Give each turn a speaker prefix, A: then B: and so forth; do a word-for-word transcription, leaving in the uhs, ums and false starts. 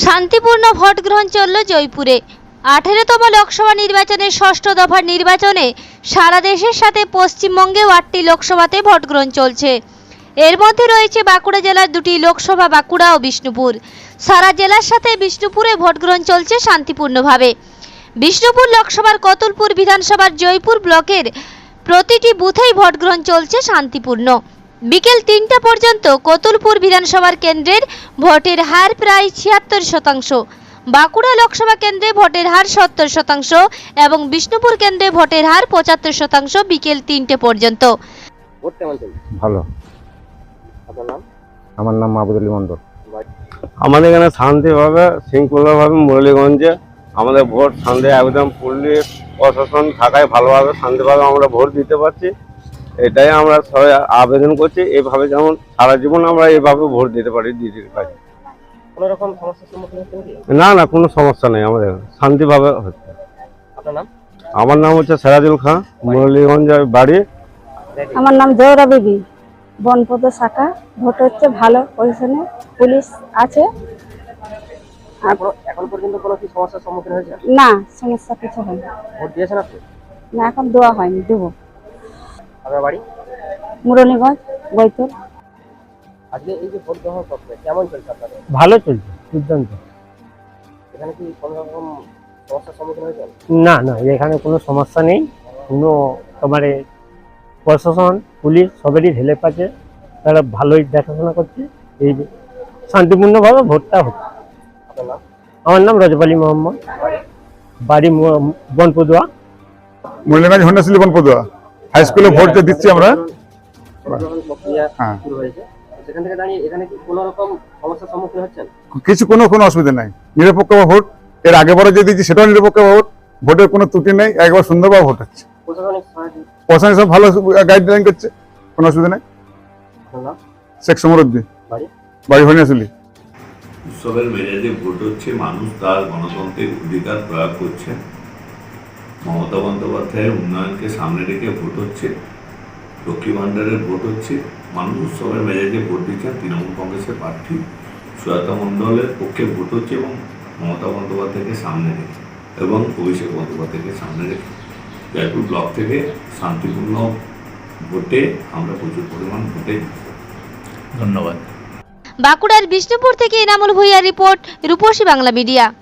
A: শান্তিপূর্ণ ভোট গ্রহণ চলল জয়পুরে। আঠেরোতম লোকসভা নির্বাচনের ষষ্ঠ দফার নির্বাচনে সারা দেশের সাথে পশ্চিমবঙ্গেও আটটি লোকসভাতে ভোট গ্রহণ চলছে। এর মধ্যে রয়েছে বাঁকুড়া জেলার দুটি লোকসভা, বাঁকুড়া ও বিষ্ণুপুর। সারা জেলার সাথে বিষ্ণুপুরে ভোট গ্রহণ চলছে শান্তিপূর্ণভাবে। বিষ্ণুপুর লোকসভার কতুলপুর বিধানসভার জয়পুর ব্লকের প্রতিটি বুথেই ভোট গ্রহণ চলছে শান্তিপূর্ণ। বিকেল তিনটা পর্যন্ত কতুলপুর বিধানসভার কেন্দ্রের ভোটের হার প্রায় ছিয়াত্তর শতাংশ, বাঁকুড়া লোকসভা কেন্দ্রে ভোটের হার সত্তর শতাংশ এবং বিষ্ণুপুর কেন্দ্রে ভোটের হার পঁচাত্তর শতাংশ বিকেল তিনটে পর্যন্ত।
B: ভালো।
C: আপনার নাম?
B: আমার নাম মাহবুব আলী মন্ডল।
D: আমাদের এখানে শান্তিভাবে শৃঙ্খলাভাবে মুরলীগঞ্জে আমাদের ভোট শান্তি একদম পুলিশ প্রশাসন থাকায় ভালোভাবে শান্তিভাবে আমরা ভোট দিতে পারছি। এটাই আমরা সবাই আবেদন করছি, এইভাবে যেমন সারা জীবন আমরা এইভাবে ভোট দিতে পারি দিতে পারি
C: কোনো রকম সমস্যার সম্মুখীন হচ্ছেন কি?
D: না না কোনো সমস্যা নেই, আমাদের শান্তিভাবে হচ্ছে।
C: আপনার নাম?
D: আমার নাম হচ্ছে সিরাজুল খান, মুরলীগঞ্জের বাড়ি।
E: আমার নাম জোহরা বিবি, বনপদ শাখা। ভোট হচ্ছে ভালো পজিশনে, পুলিশ আছে।
C: এখন পর্যন্ত কোনো কি সমস্যার সম্মুখীন হয়েছে?
E: না, সমস্যা কিছু হয়নি।
C: ভোট দিয়েছেন আপনি?
E: না, এখন দেওয়া হয়নি, দেবো।
C: আপনার বাড়ি?
E: মুরলীগঞ্জ, বৈতুল।
C: আজকে এই যে ভোট গ্রহণ প্রক্রিয়া কেমন চলছে আপনাদের?
B: ভালো চলছে, দুর্দান্ত।
C: এখানে কি কোনো রকম সমস্যার সম্মুখীন হয়েছেন?
B: না না, এখানে কোনো সমস্যা নেই। কোনো তোমার প্রশাসন পুলিশ সবেরই হেল্প আছে, তারা ভালোই দেখাশোনা করছে। এই শান্তিপূর্ণভাবে ভোটটা হচ্ছে।
C: আপনার নাম?
B: আমার নাম রজব আলী মোহাম্মদ, বাড়ি বনপদুয়া।
F: মুরলীগঞ্জ হন্ডাশিলি বনপদুয়া হাই স্কুলে ভোট দিচ্ছি আমরা।
C: ভোট গ্রহণ প্রক্রিয়া
F: হ্যাঁ।
C: শুরু হয়েছে, সেখান থেকে দাঁড়িয়ে এখানে কি কোনো রকম সমস্যার সম্মুখীন হচ্ছেন?
F: কিছু কোনো কোনো অসুবিধা নাই, নিরপেক্ষ ভোট। এর আগে পরে যে দিচ্ছি সেটাও নিরপেক্ষ ভোট, ভোটের কোনো ত্রুটি নেই, একবার সুন্দরভাবে ভোট হচ্ছে।
C: প্রশাসনিক সহায়তা?
F: প্রশাসন সব ভালো গাইডলাইন করছে, কোনো অসুবিধা নেই।
C: আপনার নাম?
F: শেখ সমরুদ্দিন,
C: বাড়ি?
F: বাড়ি হন্ডাশিলি।
G: উৎসবের মেজাজে ভোট হচ্ছে, মানুষ তার গণতান্ত্রিক অধিকার প্রয়োগ করছে। মমতা বন্দ্যোপাধ্যায়ের উন্নয়নকে সামনে রেখে ভোট হচ্ছে, লক্ষ্মী ভাণ্ডারের ভোট হচ্ছে। মানুষ উৎসবের মেজাজে ভোট দিচ্ছেন। তৃণমূল কংগ্রেসের প্রার্থী সুজাতা মণ্ডলের পক্ষে ভোট হচ্ছে এবং মমতা বন্দ্যোপাধ্যায়কে সামনে রেখে এবং অভিষেক বন্দ্যোপাধ্যায়কে সামনে রেখে জয়পুর ব্লক থেকে শান্তিপূর্ণ ভোটে আমরা প্রচুর পরিমাণ ভোটে। ধন্যবাদ।
A: বাঁকুড়ার বিষ্ণুপুর থেকে এনামুল ভূঁইয়ার রিপোর্ট, রূপসী বাংলা মিডিয়া।